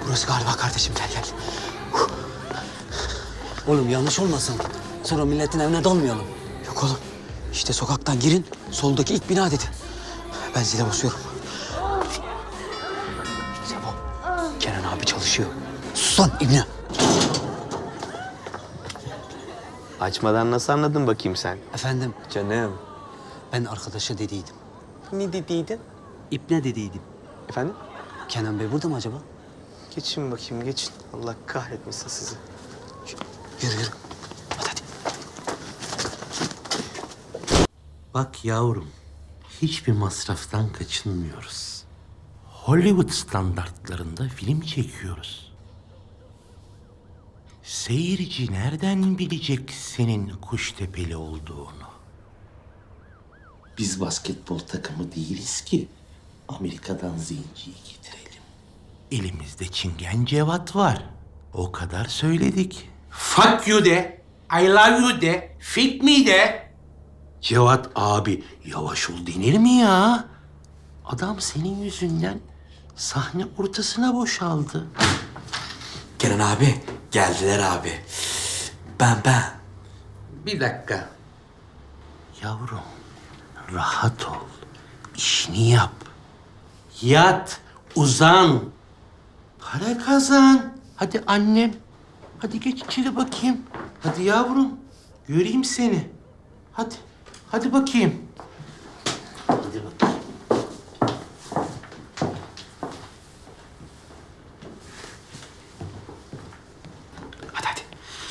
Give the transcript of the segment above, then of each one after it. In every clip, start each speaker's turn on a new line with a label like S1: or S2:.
S1: Burası galiba kardeşim, gel gel.
S2: Oğlum yanlış olmasın. Sonra milletin evine dalmayalım.
S1: Yok oğlum, işte sokaktan girin, soldaki ilk bina dedi. Ben zile basıyorum. Sebo, Kenan abi çalışıyor. Sus lan İbni.
S3: Açmadan nasıl anladın bakayım sen?
S2: Efendim,
S3: Canım.
S2: ben arkadaşa dediydim.
S3: Ne dediydin?
S2: İpne dediydim.
S3: Efendim?
S2: Kenan Bey burada mı acaba?
S3: Geçin bakayım, geçin. Allah kahretmesin sizi.
S1: Yürü yürü. Hadi hadi.
S4: Bak yavrum, hiçbir masraftan kaçınmıyoruz. Hollywood standartlarında film çekiyoruz. Seyirci nereden bilecek senin Kuştepeli olduğunu? Biz basketbol takımı değiliz ki Amerika'dan zenciyi getirelim. Elimizde Çingen Cevat var. O kadar söyledik. Fuck you de, I love you de, fit me de. Cevat abi yavaş ol denir mi ya? Adam senin yüzünden sahne ortasına boşaldı.
S1: Kenan abi, geldiler abi. Ben.
S4: Bir dakika. Yavrum, rahat ol. İşini yap. Yat, uzan. Para kazan. Hadi annem. Hadi geç içeri bakayım. Hadi yavrum. Göreyim seni. Hadi. Hadi bakayım. Hadi bakayım.
S1: Hadi hadi.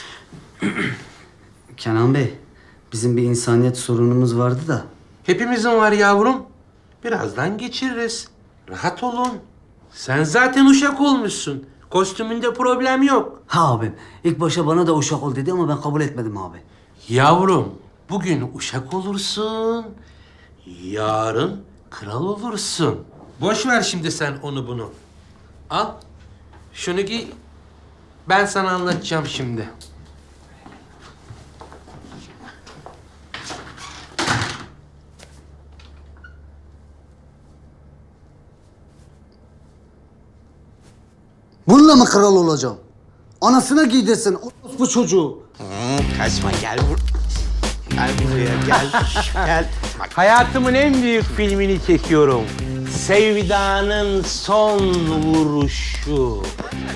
S2: Kenan Bey, bizim bir insaniyet sorunumuz vardı da.
S4: Hepimizin var yavrum. Birazdan geçiririz. Rahat olun. Sen zaten uşak olmuşsun. Kostümünde problem yok.
S2: Ha abim, ilk başta bana da uşak ol dedi ama ben kabul etmedim abi.
S4: Yavrum, bugün uşak olursun. Yarın kral olursun. Boş ver şimdi sen onu bunu. Al. Şunu giy. Ben sana anlatacağım şimdi.
S2: Bununla mı kral olacağım? Anasına giydirsin bu çocuğu.
S3: Kaçma, gel Gel buraya, gel. Gel.
S4: Hayatımın en büyük filmini çekiyorum. Sevdanın son vuruşu.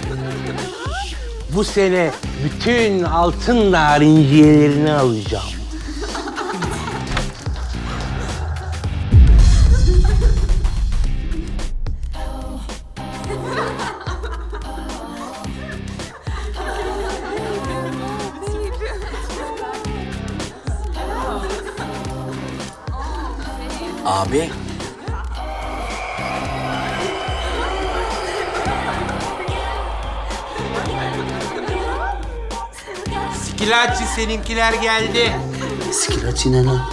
S4: Bu sene bütün altın narinciyelerini alacağım.
S1: Abi.
S4: Skilaççı seninkiler geldi.
S2: Skilaçı ne lan?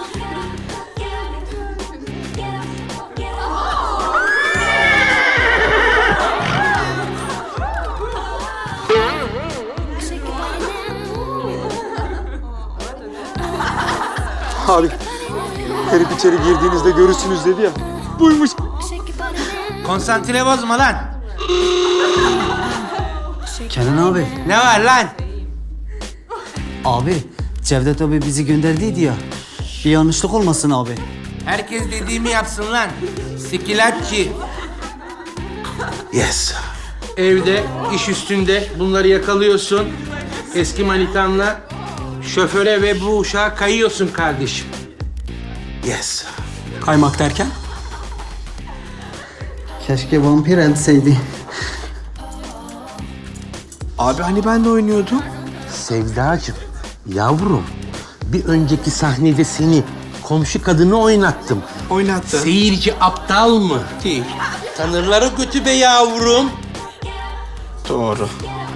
S1: Abi, herif içeri girdiğinizde görürsünüz dedi ya. Buymuş.
S4: Konsantre bozma lan.
S2: Kenan abi.
S4: Ne var lan?
S2: Abi, Cevdet abi bizi gönderdiydi ya. Bir yanlışlık olmasın abi.
S4: Herkes dediğimi yapsın lan. Skilaççı.
S3: Yes.
S4: Evde, iş üstünde bunları yakalıyorsun. Eski manitanla şoföre ve bu uşağa kayıyorsun kardeşim.
S3: Yes.
S1: Kaymak derken?
S2: Keşke vampir etseydi.
S1: Abi hani ben de oynuyordum.
S4: Sevdacığım, yavrum bir önceki sahnede seni komşu kadını oynattım.
S1: Oynattın.
S4: Seyirci aptal mı?
S1: Değil.
S4: Tanırları götü be yavrum.
S1: Doğru.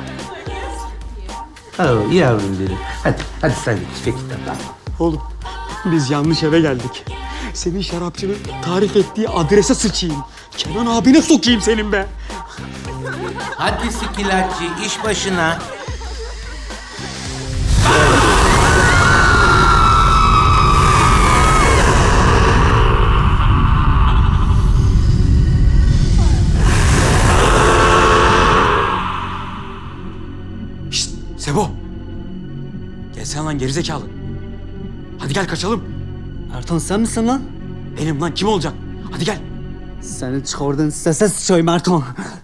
S4: Oh, yavrum benim. Hadi sen de çek tamam.
S1: Oğlum, biz yanlış eve geldik. Senin şarapçının tarif ettiği adrese sıçayım. Kenan abine sokayım senin be.
S4: Hadi Skilaççı iş başına.
S1: Sebo. Gelsene lan gerizekalı. Hadi gel kaçalım.
S2: Ertan sen misin lan?
S1: Benim lan kim olacak? Hadi gel.
S2: Seni çıkardın sese sıçayım Ertan.